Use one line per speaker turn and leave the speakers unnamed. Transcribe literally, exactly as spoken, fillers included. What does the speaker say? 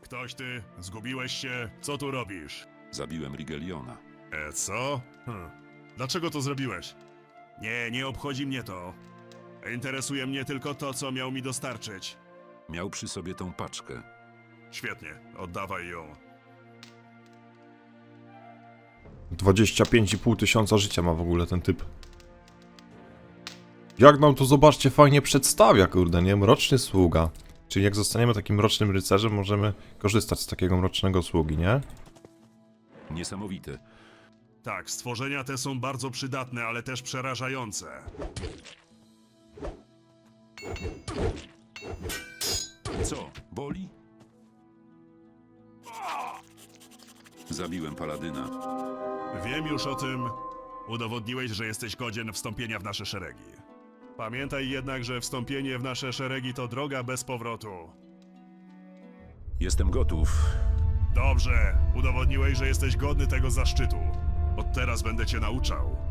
Ktoś ty? Zgubiłeś się? Co tu robisz?
Zabiłem Rigeliona.
E, co? Hm. Dlaczego to zrobiłeś? Nie, nie obchodzi mnie to. Interesuje mnie tylko to, co miał mi dostarczyć.
Miał przy sobie tą paczkę.
Świetnie, oddawaj ją.
dwadzieścia pięć i pół tysiąca życia ma w ogóle ten typ. Jak nam to, zobaczcie, fajnie przedstawia, kurde, nie? Mroczny sługa. Czyli jak zostaniemy takim mrocznym rycerzem, możemy korzystać z takiego mrocznego sługi, nie?
Niesamowite.
Tak, stworzenia te są bardzo przydatne, ale też przerażające.
Co? Boli? Zabiłem paladyna.
Wiem już o tym. Udowodniłeś, że jesteś godzien wstąpienia w nasze szeregi. Pamiętaj jednak, że wstąpienie w nasze szeregi to droga bez powrotu.
Jestem gotów.
Dobrze, udowodniłeś, że jesteś godny tego zaszczytu. Od teraz będę cię nauczał.